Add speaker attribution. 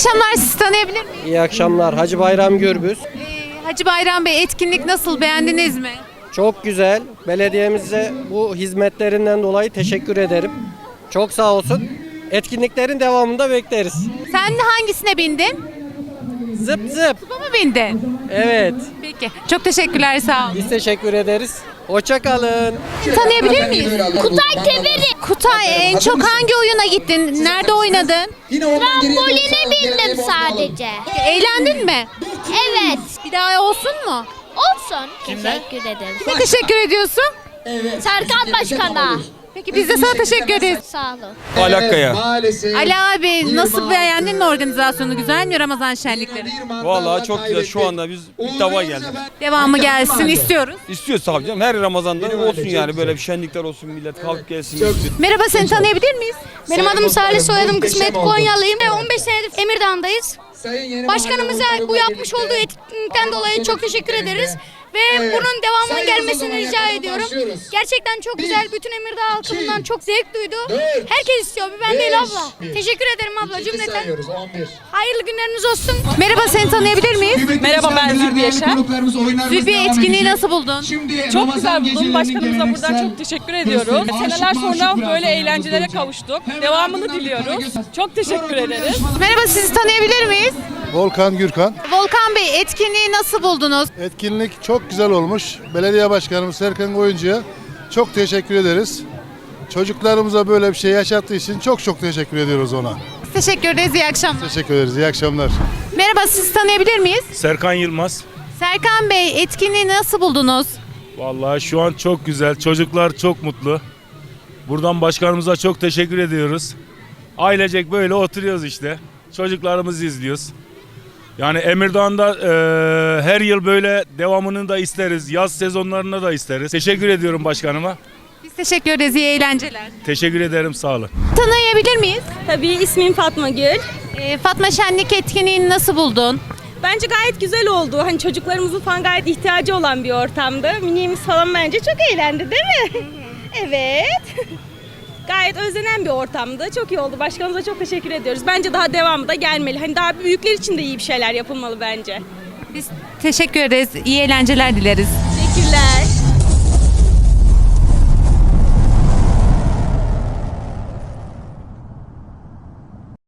Speaker 1: akşamlar, sizi tanıyabilir miyim?
Speaker 2: İyi akşamlar. Hacı Bayram Gürbüz.
Speaker 1: Hacı Bayram Bey, etkinlik nasıl, beğendiniz mi?
Speaker 2: Çok güzel. Belediyemize bu hizmetlerinden dolayı teşekkür ederim. Çok sağ olsun. Etkinliklerin devamında bekleriz.
Speaker 1: Sen hangisine bindin?
Speaker 2: Zıp zıp.
Speaker 1: Kupa mı bindin?
Speaker 2: Evet.
Speaker 1: Peki, çok teşekkürler, sağ olun.
Speaker 2: Biz teşekkür ederiz. Hoşça kalın.
Speaker 1: Tanıyabilir miyiz?
Speaker 3: Kutay Teberi.
Speaker 1: Kutay, en çok hangi oyuna gittin? Nerede oynadın?
Speaker 3: Tramboline bindim sadece.
Speaker 1: Eğlendin mi?
Speaker 3: Evet.
Speaker 1: Bir daha olsun mu?
Speaker 3: Olsun. Teşekkür ederim.
Speaker 1: Kime teşekkür ediyorsun?
Speaker 3: Serkan Başkan'a.
Speaker 1: Peki biz de sana teşekkür ederiz.
Speaker 3: Sağ olun.
Speaker 4: Alakaya.
Speaker 1: Ali abi, nasıl beğendin mi organizasyonu? Güzel mi Ramazan şenlikleri?
Speaker 4: Vallahi çok güzel. Şu anda biz ilk defa geldik.
Speaker 1: Devamı gelsin istiyoruz.
Speaker 4: İstiyoruz tabii canım. Her Ramazan'da olsun yani. Böyle bir şenlikler olsun. Millet kalkıp gelsin. istiyor.
Speaker 1: Merhaba, seni tanıyabilir miyiz?
Speaker 5: Benim adım Salih, soyadım Kısmet, Konyalıyım. 15 senedir Emirdağ'dayız. Başkanımıza bu yapmış olduğu etkinlikten dolayı çok teşekkür ederiz. Ve bunun devamının gelmesini rica ediyorum. Gerçekten çok güzel. Bütün Emirdağ halkı bundan çok zevk duydu. Herkes istiyor. Bir ben değil abla. Teşekkür ederim abla cümleten. Hayırlı günleriniz olsun.
Speaker 1: Merhaba, seni tanıyabilir miyiz?
Speaker 6: Merhaba, ben Zülfü Yaşar.
Speaker 1: Zülfiye, etkinliği nasıl buldun?
Speaker 6: Çok güzel buldum. Başkanımıza buradan çok teşekkür ediyoruz. Seneler sonra böyle eğlencelere kavuştuk. Devamını diliyoruz. Çok teşekkür ederiz.
Speaker 1: Merhaba, sizi tanıyabilir miyiz?
Speaker 7: Volkan Gürkan.
Speaker 1: Volkan Bey, etkinliği nasıl buldunuz?
Speaker 7: Etkinlik çok güzel olmuş. Belediye Başkanımız Serkan Koyuncu'ya çok teşekkür ederiz. Çocuklarımıza böyle bir şey yaşattığı için çok teşekkür ediyoruz ona.
Speaker 1: Teşekkür ederiz, iyi akşamlar.
Speaker 7: Teşekkür ederiz. İyi akşamlar.
Speaker 1: Merhaba, sizi tanıyabilir miyiz?
Speaker 8: Serkan Yılmaz.
Speaker 1: Serkan Bey, etkinliği nasıl buldunuz?
Speaker 8: Vallahi şu an çok güzel. Çocuklar çok mutlu. Buradan başkanımıza çok teşekkür ediyoruz. Ailecek böyle oturuyoruz işte. Çocuklarımızı izliyoruz. Yani Emirdağ'da her yıl böyle devamını da isteriz. Yaz sezonlarında da isteriz. Teşekkür ediyorum başkanıma.
Speaker 1: Biz teşekkür ederiz, iyi eğlenceler.
Speaker 8: Teşekkür ederim, sağ olun.
Speaker 1: Tanıyabilir miyiz?
Speaker 9: Tabii, ismim Fatma Gül.
Speaker 1: Fatma, şenlik etkinliğini nasıl buldun?
Speaker 9: Bence gayet güzel oldu. Hani çocuklarımızın falan gayet ihtiyacı olan bir ortamdı. Miniğimiz falan bence çok eğlendi, değil mi? Evet. Gayet özlenen bir ortamdı. Çok iyi oldu. Başkanımıza çok teşekkür ediyoruz. Bence daha devamı da gelmeli. Hani daha büyükler için de iyi bir şeyler yapılmalı bence.
Speaker 1: Biz teşekkür ederiz, iyi eğlenceler dileriz.
Speaker 9: Teşekkürler.